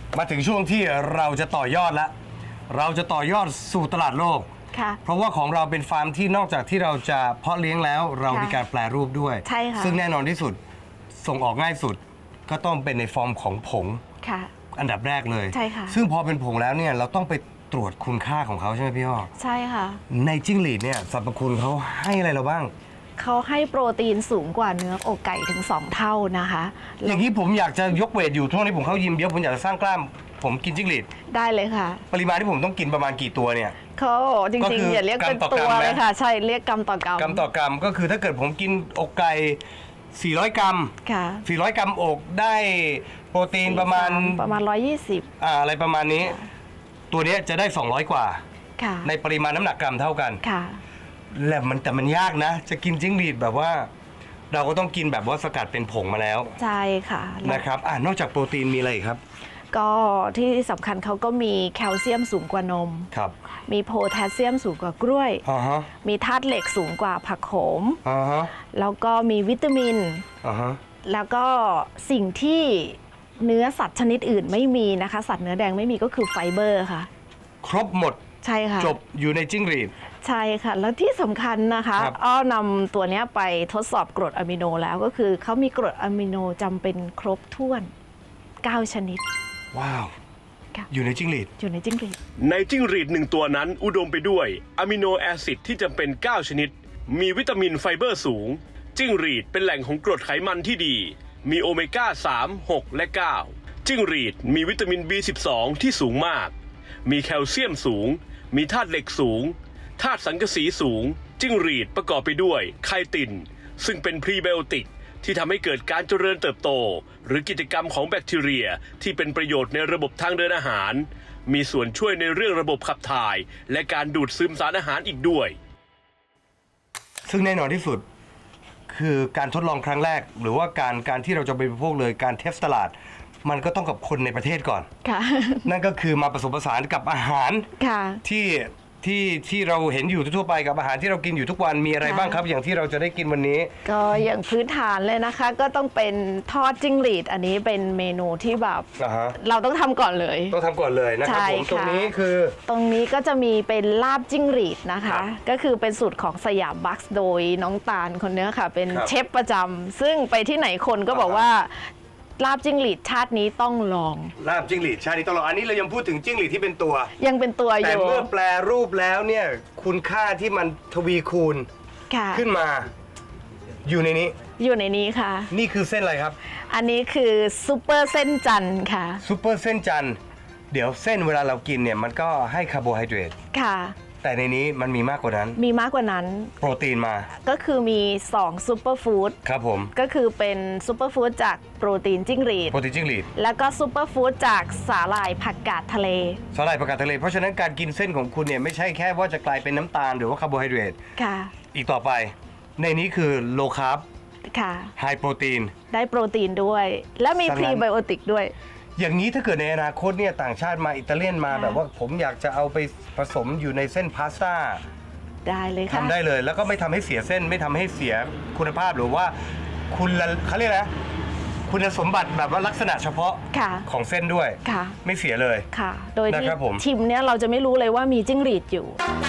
มาถึงช่วงที่เราจะต่อยอดแล้วเราจะต่อยอดสู่ตลาดโลกเพราะว่าของเราเป็นฟาร์มที่นอกจากที่เราจะเพาะเลี้ยงแล้วเรามีการแปรรูปด้วยใช่ค่ะซึ่งแน่นอนที่สุดส่งออกง่ายสุดก็ต้องเป็นในฟอร์มของผงอันดับแรกเลยใช่ค่ะซึ่งพอเป็นผงแล้วเนี่ยเราต้องไปตรวจคุณค่าของเขาใช่ไหมพี่อ้อใช่ค่ะในจิ้งหรีดเนี่ยสรรพคุณเขาให้อะไรเราบ้างเขาให้โปรตีนสูงกว่าเนื้ออกไก่ถึง2เท่านะคะอย่างนี้ผมอยากจะยกเวทอยู่ช่วงนี้ผมเข้ายิมเยอะผมอยากจะสร้างกล้ามผมกินจิ้งหรีดได้เลยค่ะปริมาณที่ผมต้องกินประมาณกี่ตัวเนี่ยเขาจริงๆอย่าเรียกเป็นตัวเลยค่ะใช่เรียกกรัมต่อกรัมกรัมต่อกรัมก็คือถ้าเกิดผมกินอกไก่400 กรัมค่ะ 400 กรัมอกได้โปรตีนประมาณ 120 อะไรประมาณนี้ตัวนี้จะได้200กว่าค่ะในปริมาณน้ำหนักกรัมเท่ากันค่ะแต่มันยากนะจะกินจิ้งหรีดแบบว่าเราก็ต้องกินแบบว่าสกัดเป็นผงมาแล้วใช่ค่ะนะครับนอกจากโปรตีนมีอะไรอีกครับก็ที่สำคัญเขาก็มีแคลเซียมสูงกว่านมครับมีโพแทสเซียมสูงกว่ากล้วยมีธาตุเหล็กสูงกว่าผักโขมแล้วก็มีวิตามินแล้วก็สิ่งที่เนื้อสัตว์ชนิดอื่นไม่มีนะคะสัตว์เนื้อแดงไม่มีก็คือไฟเบอร์ค่ะครบหมดใช่ค่ะจบอยู่ในจิ้งหรีดใช่ค่ะแล้วที่สำคัญนะคะอ้อนำตัวนี้ไปทดสอบกรดอะมิโนแล้วก็คือเขามีกรดอะมิโนจำเป็นครบถ้วน9ชนิดว้าวอยู่ในจิ้งหรีดอยู่ในจิ้งหรีดในจิ้งหรีด1ตัวนั้นอุดมไปด้วยอะมิโนแอซิดที่จำเป็น9ชนิดมีวิตามินไฟเบอร์สูงจิ้งหรีดเป็นแหล่งของกรดไขมันที่ดีมีโอเมก้า3 6และ9จิ้งหรีดมีวิตามิน B12 ที่สูงมากมีแคลเซียมสูงมีธาตุเหล็กสูงธาตุสังกะสีสูงจิ้งหรีดประกอบไปด้วยไคตินซึ่งเป็นพรีไบโอติกที่ทำให้เกิดการเจริญเติบโตหรือกิจกรรมของแบคทีเรียที่เป็นประโยชน์ในระบบทางเดินอาหารมีส่วนช่วยในเรื่องระบบขับถ่ายและการดูดซึมสารอาหารอีกด้วยซึ่งแน่นอนที่สุดคือการทดลองครั้งแรกหรือว่าการที่เราจะไปบริโภคเลยการเทสตลาดมันก็ต้องกับคนในประเทศก่อนนั่นก็คือมาผสมผสานกับอาหารที่เราเห็นอยู่ทั่วไปกับอาหารที่เรากินอยู่ทุกวันมีอะไรบ้างครับอย่างที่เราจะได้กินวันนี้ก็อย่างพื้นฐานเลยนะคะก็ต้องเป็นทอดจิ้งหรีดอันนี้เป็นเมนูที่แบบเราต้องทำก่อนเลยต้องทำก่อนเลยนะครับผมตรงนี้คือตรงนี้ก็จะมีเป็นลาบจิ้งหรีดนะคะก็คือเป็นสูตรของสยามบัคส์โดยน้องตาลคนนี้ค่ะเป็นเชฟประจำซึ่งไปที่ไหนคนก็บอกว่าลาบจิ้งหรีดชาตินี้ต้องลองลาบจิ้งหรีดชาตินี้ต้องลองอันนี้เรายังพูดถึงจิ้งหรีดที่เป็นตัวยังเป็นตัวอยู่แต่เมื่อแปลรูปแล้วเนี่ยคุณค่าที่มันทวีคูณขึ้นมาอยู่ในนี้ค่ะนี่คือเส้นอะไรครับอันนี้คือซุปเปอร์เส้นจันทร์ค่ะซุปเปอร์เส้นจันทร์เดี๋ยวเส้นเวลาเรากินเนี่ยมันก็ให้คาร์โบไฮเดรตค่ะแต่ในนี้มันมีมากกว่านั้นโปรตีนมาก็คือมี2ซูเปอร์ฟู้ดครับผมก็คือเป็นซูเปอร์ฟู้ดจากโปรตีนจิ้งหรีดแล้วก็ซูเปอร์ฟู้ดจากสาหร่ายผักกาดทะเลเพราะฉะนั้นการกินเส้นของคุณเนี่ยไม่ใช่แค่ว่าจะกลายเป็นน้ำตาลหรือว่าคาร์โบไฮเดรตค่ะอีกต่อไปในนี้คือโลคาร์บค่ะไฮโปรตีนได้โปรตีนด้วยและมีพรีไบโอติกด้วยอย่างนี้ถ้าเกิดในอนาคตเนี่ยต่างชาติมาอิตาเลียนมาแบบว่าผมอยากจะเอาไปผสมอยู่ในเส้นพาสต้าได้เลยค่ะทำได้เลยแล้วก็ไม่ทำให้เสียเส้นไม่ทำให้เสียคุณภาพหรือว่าเขาเรียกนะคุณสมบัติแบบว่าลักษณะเฉพาะของเส้นด้วยไม่เสียเลยค่ะโดยที่ชิมเนี่ยเราจะไม่รู้เลยว่ามีจิ้งหรีดอยู่